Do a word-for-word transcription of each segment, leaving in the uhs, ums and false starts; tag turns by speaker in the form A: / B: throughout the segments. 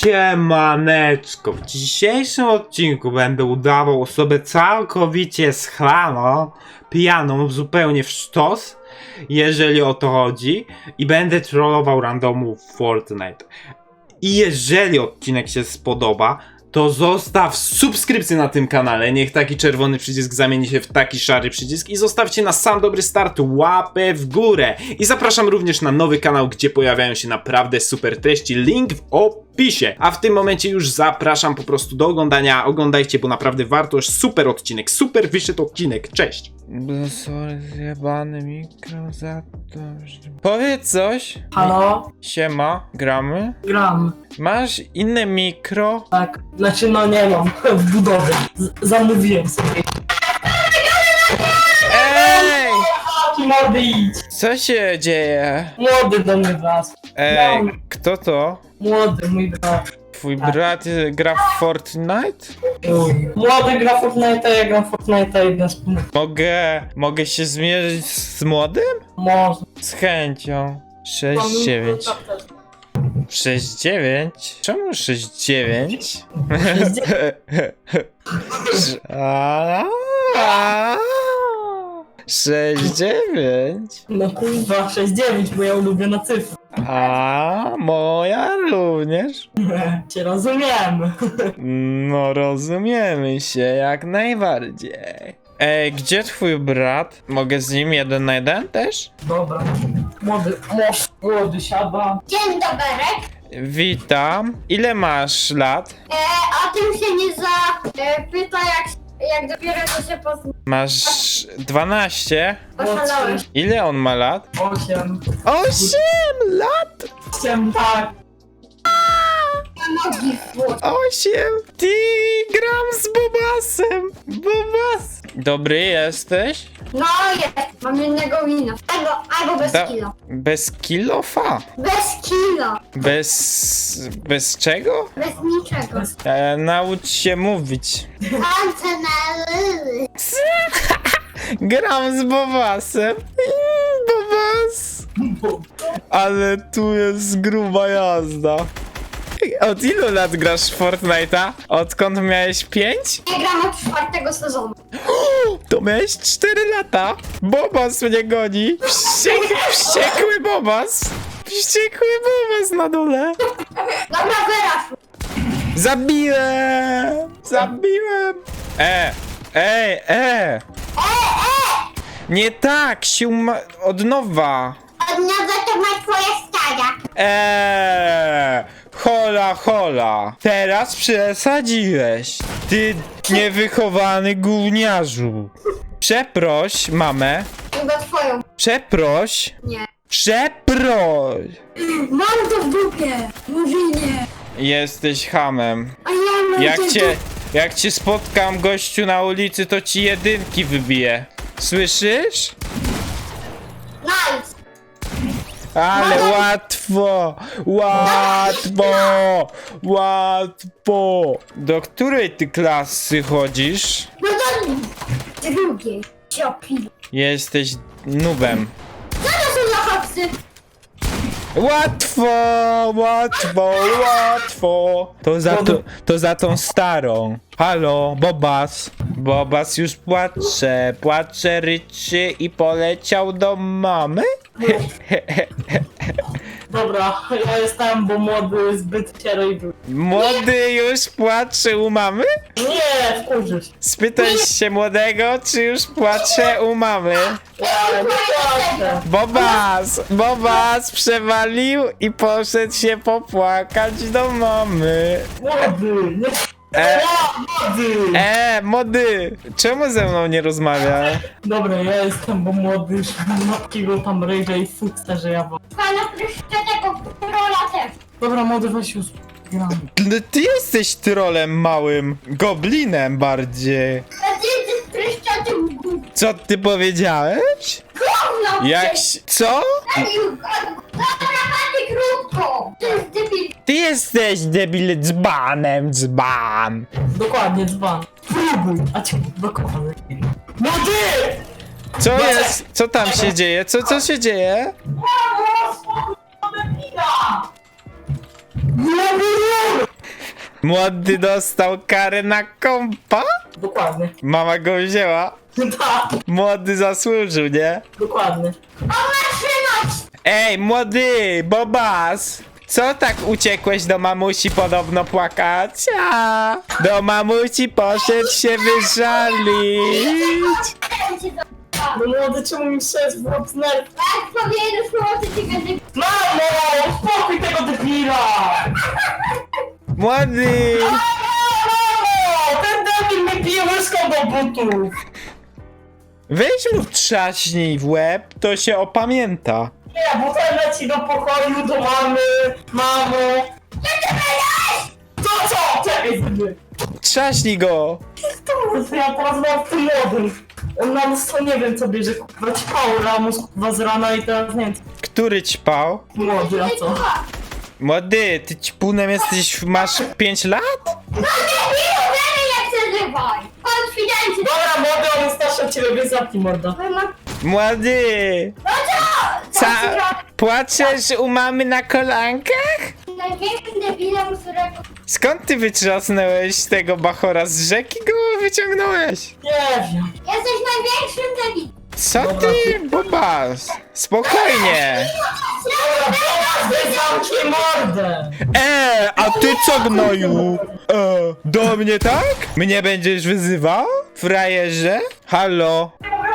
A: Siemaneczko, w dzisiejszym odcinku będę udawał osobę całkowicie schlaną, pijaną, zupełnie w sztos, jeżeli o to chodzi, i będę trollował randomów w Fortnite. I jeżeli odcinek się spodoba, to zostaw subskrypcję na tym kanale, niech taki czerwony przycisk zamieni się w taki szary przycisk i zostawcie na sam dobry start łapę w górę. I zapraszam również na nowy kanał, gdzie pojawiają się naprawdę super treści, link w opisie. A w tym momencie już zapraszam po prostu do oglądania, oglądajcie, bo naprawdę warto, już super odcinek, super wyszedł odcinek, cześć. Sorry, zjebany mikro za to, że... Powiedz coś.
B: Halo?
A: Siema, gramy?
B: Gram.
A: Masz inne mikro?
B: Tak. Znaczy no nie mam. W budowie. Z zamówiłem sobie.
A: Ej!
B: Taki młody idź.
A: Co się dzieje?
B: Młody do mnie wlazł.
A: Ej, kto to?
B: Młody, mój brat.
A: Twój
B: Tak.
A: brat y, gra w Fortnite?
B: Mój. Młody gra Fortnite'a, ja gram Fortnite'a jeden z punktów.
A: Mogę, mogę się zmierzyć z młodym?
B: Może.
A: Z chęcią. sześć dziewięć. sześć dziewięć? Czemu sześć dziewięć? sześć dziewięć?
B: No kurwa, sześć dziewięć, bo ja ulubiona cyfra.
A: A moja również.
B: Cię rozumiem.
A: No rozumiemy się jak najbardziej. Ej, gdzie twój brat? Mogę z nim jeden na jeden też?
B: Dobra. Młody, młody, młody siada.
C: Dzień dobry.
A: Witam. Ile masz lat?
C: E, o tym się nie zapyta, jak, jak dopiero to się pozna.
A: Masz dwanaście.
C: Oszalałeś.
A: Ile on ma lat?
B: Osiem.
A: osiem lat!
B: Osiem, tak.
C: Nogi w wód.
A: osiem! Ty, gram z Bobasem! Bobas! Dobry jesteś?
C: No jest, mam jednego wina. Albo, albo bez
A: Da-
C: kilo.
A: Bez kilofa?
C: Bez kilo.
A: Bez... bez czego?
C: Bez niczego.
A: E, naucz się mówić.
C: Palce na lyly.
A: Gram z Bobasem. Mm, Bobas! Ale tu jest gruba jazda. Od ilu lat grasz w Fortnite'a? Odkąd miałeś pięć?
C: Ja gram od czwartego sezonu.
A: To miałeś cztery lata. Bobas mnie goni. Wściek, wściekły Bobas. Wściekły Bobas na dole.
C: Dobra, wyrasz.
A: Zabiłem! Zabiłem! E! Ej, e! Nie tak, się ma... od nowa.
C: Od nowa to ma twoja stara.
A: Eee, hola, hola. Teraz przesadziłeś. Ty niewychowany gówniarzu. Przeproś mamę.
C: Chyba twoją.
A: Przeproś.
C: Nie.
A: Przeproś.
C: Mam to w dupie. Murzynie.
A: Jesteś hamem.
C: A ja mam
A: Jak
C: to w
A: cię,
C: dupie.
A: jak cię spotkam gościu na ulicy, to ci jedynki wybiję. Słyszysz?
C: Nice.
A: Ale łatwo! Łatwo! Łatwo! Do której ty klasy chodzisz?
C: No do drugiej. Ciopil.
A: Jesteś nubem.
C: Co to są za hopsy?
A: Łatwo! Łatwo! Łatwo! To za, to, to za tą starą. Halo, Bobas. Bobas już płacze, płacze, ryczy i poleciał do mamy?
B: Dobra, ja jestem, bo młody zbyt siery był.
A: Młody już płacze u mamy?
B: Nie, wkurzysz.
A: Spytaj się młodego, czy już płacze u mamy.
B: Ja nie płaczę.
A: Bobas! Bobas przewalił i poszedł się popłakać do mamy.
B: Młody, nie
A: E,
B: młody.
A: e, młody! Czemu ze mną nie rozmawia?
B: Dobra, ja jestem, bo młody już ma takiego tam rage'a i fusta, że ja wam.
C: Pana tego rola też.
B: Dobra, młody, weź już gram.
A: No ty jesteś trolem małym, goblinem bardziej.
C: A ty jesteś pryszczotym gówno.
A: Co ty powiedziałeś? Jak...
C: przecież.
A: si- Co?
C: Dobra, panie krótko. To jest debil.
A: Ty jesteś debil dzbanem, dzban.
B: Dokładnie, dzban. Próbuj, a cię dokładnie. Młody!
A: Co jest? Co tam się dzieje? Co, co się dzieje?
B: Młody!
A: Młody dostał karę na kompa?
B: Dokładnie.
A: Mama go wzięła.
B: Tak,
A: Młody zasłużył, nie?
B: dokładnie.
A: Ej, młody, Bobas! Co tak uciekłeś do mamusi podobno płakać? A, do mamusi poszedł się wyżalić.
B: No młody, czemu mi sześć w łeb nerw?
C: Tak, powiedzieć, że ci będzie...
B: Mamo, spokój tego debila!
A: Młody!
B: Mamo, ten debil mi pije łyżką do butów!
A: Weź mu trzaśnij w łeb, to się opamięta.
B: Nie, bo ten leci do pokoju, do mamy, mamo. To co? Czekaj sobie.
A: Trzaśnij go!
B: To ja teraz mam w tym młodym. On na mnóstwo nie wiem co bierze, kurwa ćpał ramus kurwa z rana i teraz nie wiem.
A: Który ćpał?
B: Młody, a co?
A: Młody, ty ćpunem jesteś, masz pięć lat?
C: No debilu, wiemy jak się żywaj! Konfidencie!
B: Dobra, młody, on jest starszy od ciebie, więc zamknij morda.
A: Młody!
C: No co?
A: Ca płaczesz u mamy na kolankach?
C: Największym debilem, którego...
A: Skąd ty wytrzasnąłeś tego bachora z rzeki go wyciągnąłeś?
B: Nie wiem.
C: Jesteś największym debilem!
A: Co ty, Bobas? Spokojnie!
B: Dobra, teraz wy zamknij mordę!
A: E, a ty co gnoju? E, do mnie tak? Mnie będziesz wyzywał? Frajerze? Halo?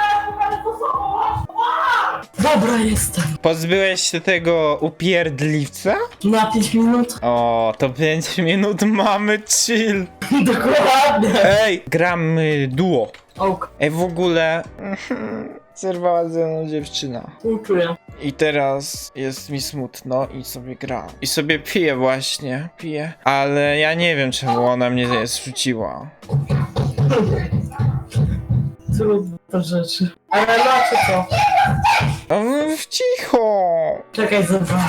B: Dobra, jestem.
A: Pozbyłeś się tego upierdliwca?
B: Na pięć minut?
A: O, to pięć minut mamy chill.
B: Dokładnie.
A: Ej, gramy duo.
B: Ok,
A: Ej, w ogóle... Zerwała ze mną dziewczyna.
B: czuję.
A: I teraz jest mi smutno i sobie gram. I sobie piję właśnie, piję. Ale ja nie wiem czemu ona mnie zrzuciła.
B: Trudne to rzeczy. Ale znaczy co?
A: O, cicho!
B: Czekaj, zobacz.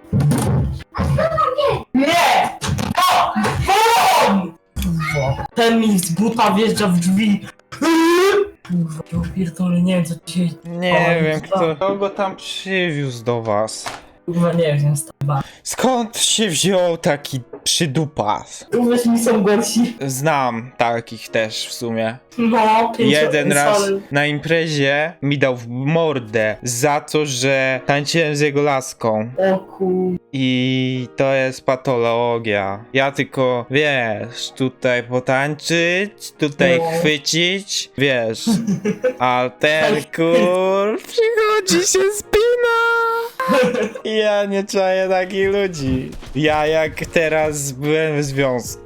B: Nie! O! Bum! Kurwa. Ten mi z buta wjeżdża w drzwi. Kurwa, ja pierdolę, nie wiem co dzisiaj...
A: Nie
B: O,
A: wiem
B: co?
A: kto, kto go tam przywiózł do was.
B: Kurwa, nie wiem, staba.
A: Skąd się wziął taki przydupas?
B: Uwierz mi, są gorsi.
A: Znam takich też w sumie.
B: No, pięć
A: Jeden raz
B: sorry.
A: na imprezie mi dał w mordę za to, że tańczyłem z jego laską.
B: O kur...
A: I to jest patologia. Ja tylko, wiesz, tutaj potańczyć, tutaj
B: No.
A: chwycić, wiesz. A ten kur przychodzi się spina. Ja nie czaję takich ludzi. Ja jak teraz byłem w związku.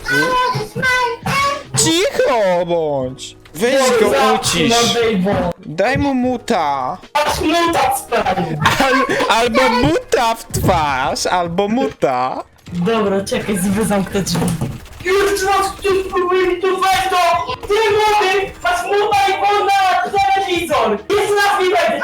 A: Cicho bądź! Weź go ucisz. Daj mu muta.
B: Aż muta sprawie.
A: Al, albo muta w twarz, albo muta.
B: Dobra, czekaj, wy zamknę drzwi. Już raz ktoś próbuje mi tu wejść do... Ty młody, masz muta i wolna telewizor. Jest na chwilę.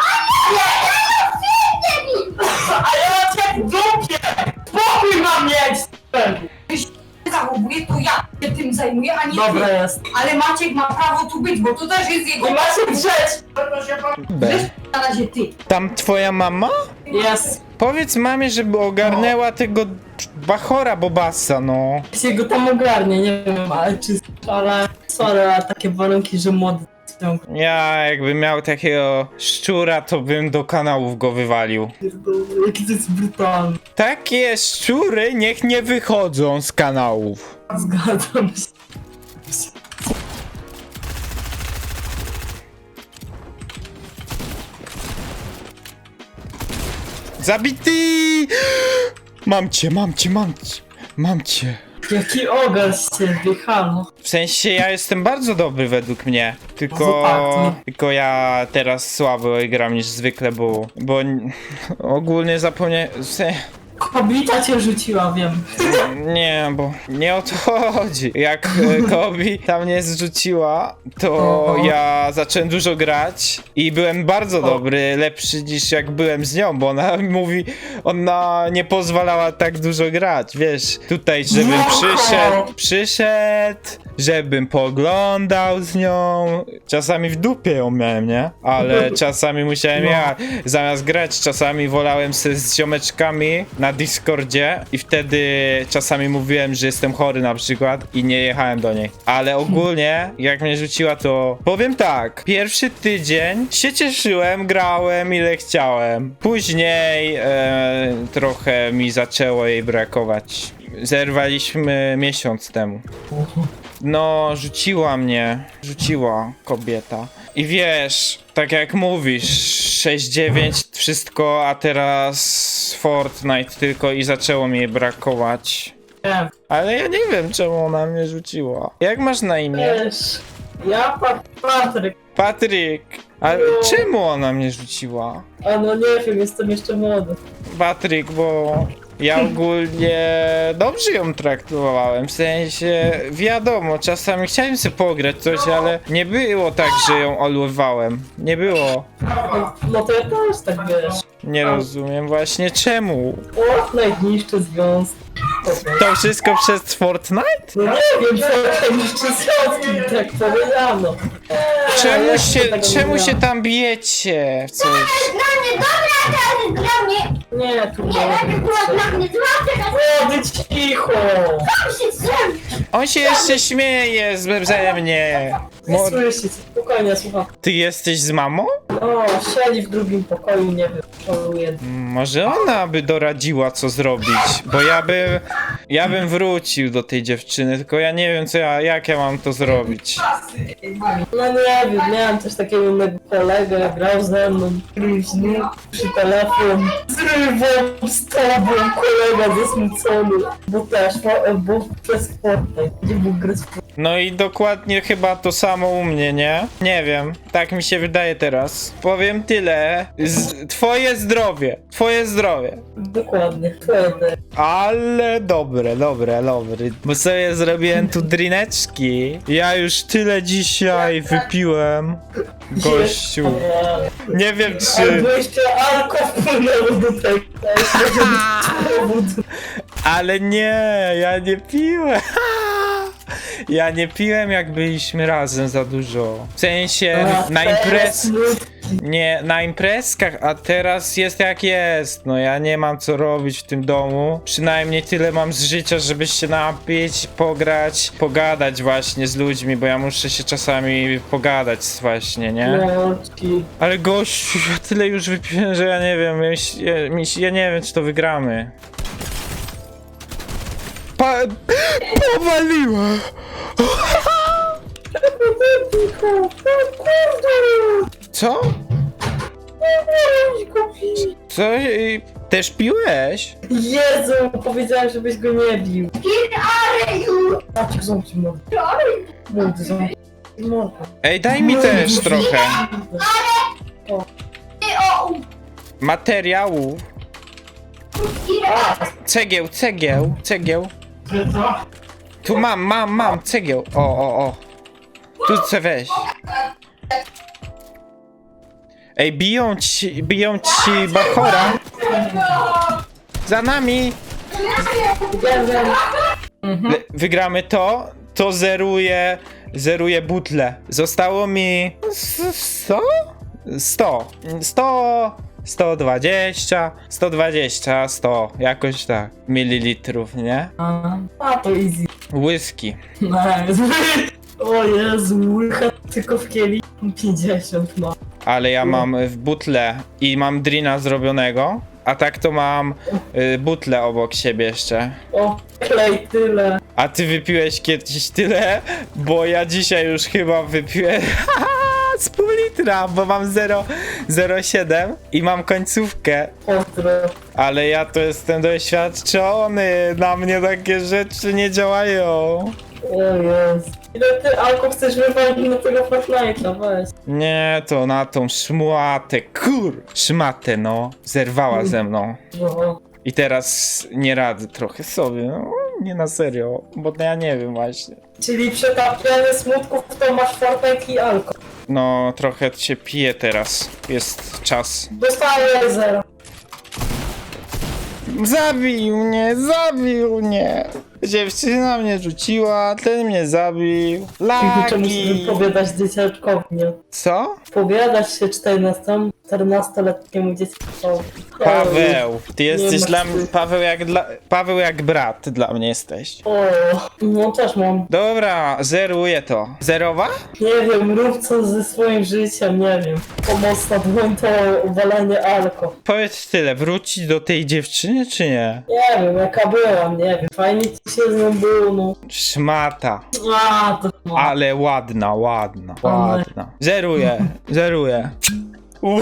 B: A ja cię w dupie. Spokój mam mieć.
D: Zachowuje, to ja się tym zajmuję, a nie
B: Dobra
D: ty.
B: jest.
D: Ale Maciek ma prawo tu być, bo to też jest jego...
B: Nie macie drzeć.
D: Wiesz, na razie ty.
A: Tam twoja mama?
B: Jest.
A: Powiedz mamie, żeby ogarnęła tego bachora Bobasa, no.
B: Się go tam ogarnie, nie wiem, ale czy... Ale... Sorry, ale takie warunki, że młody... są.
A: Ja jakbym miał takiego szczura, to bym do kanałów go wywalił.
B: Pierdolę, jaki to jest brutalny.
A: Takie szczury niech nie wychodzą z kanałów.
B: Zgadzam się.
A: Zabity! Mam cię, mam cię, mam cię, mam cię.
B: Jaki ogar z ciebie, halo.
A: W sensie ja jestem bardzo dobry według mnie. Tylko,
B: No tak, no.
A: tylko ja teraz słabo gram niż zwykle, bo, bo n- ogólnie zapomniałem. w sen-
B: Kobieta cię rzuciła, wiem.
A: Nie, bo nie o to chodzi. Jak e, Kobi tam mnie zrzuciła, to
B: Aha.
A: ja zacząłem dużo grać i byłem bardzo dobry, lepszy niż jak byłem z nią, bo ona mówi, ona nie pozwalała tak dużo grać, wiesz, tutaj żebym
B: No.
A: przyszedł, przyszedł, żebym poglądał z nią, czasami w dupie ją miałem, nie? Ale czasami musiałem
B: No.
A: ja, zamiast grać, czasami wolałem se z ziomeczkami na na Discordzie i wtedy czasami mówiłem, że jestem chory na przykład i nie jechałem do niej. Ale ogólnie, jak mnie rzuciła, to powiem tak, pierwszy tydzień się cieszyłem, grałem ile chciałem. Później e, trochę mi zaczęło jej brakować. Zerwaliśmy miesiąc temu. No, rzuciła mnie. Rzuciła kobieta. I wiesz, tak jak mówisz, sześć dziewięć wszystko, a teraz Fortnite tylko i zaczęło mi jej brakować.
B: Nie,
A: Ale ja nie wiem, czemu ona mnie rzuciła. Jak masz na imię?
B: wiesz, ja pa Patryk,
A: Patryk. Ale czemu ona mnie rzuciła?
B: a no nie wiem, jestem jeszcze młody.
A: Patryk, bo ja ogólnie dobrze ją traktowałem, w sensie wiadomo, czasami chciałem sobie pograć coś, ale nie było tak, że ją olewałem. Nie było.
B: No, no to ja też tak wiesz.
A: Nie rozumiem właśnie czemu.
B: Fortnite niszczy związki.
A: To wszystko przez Fortnite?
B: No nie wiem, co niszczy związki, tak powiedziano.
A: Czemu
B: ja
A: się,
B: tego nie
A: czemu się
B: miałam.
A: tam bijecie w coś?
C: Dla mnie, dobra, teraz dla mnie.
B: Nie, tu
C: Nie, najpierw była dla mnie zła, teraz
B: Młody, cicho!
C: tam się zrobi.
A: On się jeszcze śmieje z- ze mnie.
B: Nie
A: Mo-
B: słyszycie, spokojnie, słucham.
A: Ty jesteś z mamą?
B: No, siedzi w drugim pokoju, nie wiem, szaluje.
A: Może ona by doradziła, co zrobić, bo ja bym, ja bym wrócił do tej dziewczyny, tylko ja nie wiem, co ja, jak ja mam to zrobić.
B: No nie wiem, miałem też takiego innego kolegę, grał ze mną, luźny, przy telefon. Zrywam z tobą, kolega zasmucony, bo też, bo, bo przez Fortnite, gdzie był gry z Fortnite.
A: No i dokładnie chyba to samo u mnie, nie? Nie wiem, tak mi się wydaje teraz. Powiem tyle, Z, twoje zdrowie, twoje zdrowie.
B: Dokładnie, twoje.
A: Ale dobre, dobre, dobre. Bo sobie zrobiłem tu drineczki. Ja już tyle dzisiaj wypiłem. Gościu. Nie wiem czy...
B: Albo jeszcze alko wpłynęło do tego. To jest może być powód.
A: Ale nie, ja nie piłem. Ja nie piłem jak byliśmy razem za dużo. W sensie
B: A,
A: na
B: teraz
A: imprez...
B: smutki.
A: Nie, na imprezkach, a teraz jest jak jest. No ja nie mam co robić w tym domu. Przynajmniej tyle mam z życia, żeby się napić, pograć, pogadać właśnie z ludźmi, bo ja muszę się czasami pogadać właśnie, nie?
B: Mączki.
A: Ale gościu, ja tyle już wypiłem, że ja nie wiem, ja, ja, mi się- ja nie wiem, czy to wygramy. Pa... Powaliła! Co? Co? I- Też piłeś?
B: Jezu, powiedziałem, żebyś go nie bił. Maciek, zamknij mordę. Młody, zamknij mordę.
A: Ej, daj mi też trochę
C: Ty o,
A: materiałów. Cegieł, cegieł, cegieł. Tu mam, mam, mam, cegieł. O, o, o. Tu chcę wejść. Ej, biją ci, biją ci Bachora. Za nami. Le, wygramy to, to zeruje, zeruje butle. Zostało mi sto? sto. sto, sto dwadzieścia, sto dwadzieścia, sto, jakoś tak, mililitrów, nie?
B: A, a to easy.
A: Whisky.
B: Nice. O Jezu, łycha tylko w kieli. pięćdziesiąt ma.
A: Ale ja mam w butle i mam drina zrobionego, a tak to mam y, butlę obok siebie jeszcze.
B: O, klej tyle.
A: A ty wypiłeś kiedyś tyle? Bo ja dzisiaj już chyba wypiłem z pół litra, bo mam zero przecinek siedem i mam końcówkę.
B: Ostro.
A: Ale ja to jestem doświadczony, na mnie takie rzeczy nie działają.
B: O Jezu. Ile ty alko chcesz wywalić na tego Fortnite'a, weź.
A: Nie, to na tą szmatę, kur... Szmatę, no, zerwała ze mną.
B: No.
A: I teraz nie radzę trochę sobie, no, nie na serio, bo ja nie wiem właśnie.
B: Czyli przetapianie smutków to masz Fortnite i alko.
A: No, trochę się pije teraz, jest czas.
B: Dostaję zero.
A: Zabił mnie, zabił mnie! Dziewczyna mnie rzuciła, ten mnie zabił.
B: Czemu
A: Lagi!
B: sobie powiadać dzieciaczkowi, nie?
A: Co?
B: Powiadasz się czternastoletniemu dzieciaczkowi.
A: Paweł, ty jesteś
B: ma
A: dla mnie,
B: wstydu.
A: Paweł jak dla, Paweł jak brat dla mnie jesteś.
B: O, no też mam.
A: Dobra, zeruję to. Zerowa?
B: Nie wiem, rób co ze swoim życiem, nie wiem. Pomocna dłoń to walenie alko.
A: Powiedz tyle, wrócić do tej dziewczyny czy nie?
B: Nie wiem, jaka była, nie wiem. Fajnie ci się z nią było, no.
A: Szmata,
B: A, to no.
A: ale ładna, ładna, ładna. Zeruję, zeruję. Uuu.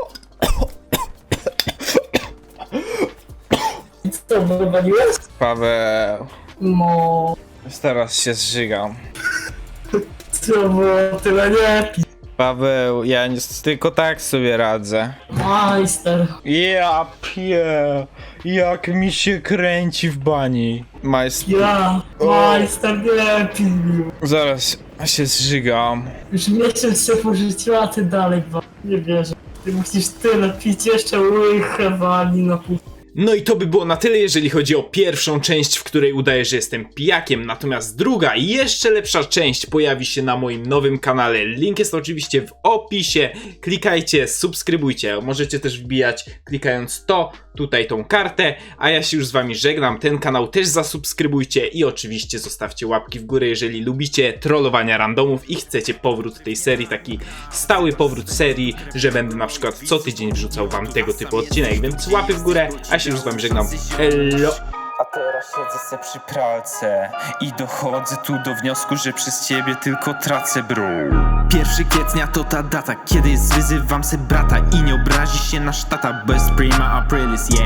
B: I co, wywaliłeś?
A: Paweł,
B: No.
A: teraz się zżygam.
B: Co było, tyle nie pi.
A: Paweł, ja nie, tylko tak sobie radzę.
B: Majster.
A: Ja pie, jak mi się kręci w bani. Majst...
B: Ja, majster nie pił.
A: Zaraz się zżygam.
B: Już miesiąc się porzuciła, a ty dalej wa- nie wierzę. Ty musisz tyle pić, jeszcze łychę wali na pół.
A: No i to by było na tyle, jeżeli chodzi o pierwszą część, w której udaję, że jestem pijakiem. Natomiast druga i jeszcze lepsza część pojawi się na moim nowym kanale. Link jest oczywiście w opisie. Klikajcie, subskrybujcie. Możecie też wbijać, klikając to, tutaj tą kartę. A ja się już z wami żegnam. Ten kanał też zasubskrybujcie i oczywiście zostawcie łapki w górę, jeżeli lubicie trollowania randomów i chcecie powrót tej serii, taki stały powrót serii, że będę na przykład co tydzień wrzucał wam tego typu odcinek. Więc łapy w górę, a się już z wami żegnam. Elo!
E: A teraz siedzę se przy pralce i dochodzę tu do wniosku, że przez ciebie tylko tracę, bro. Pierwszy kwietnia to ta data, kiedy zwyzywam se brata i nie obrazi się nasz tata, bez prima aprilis, yeah.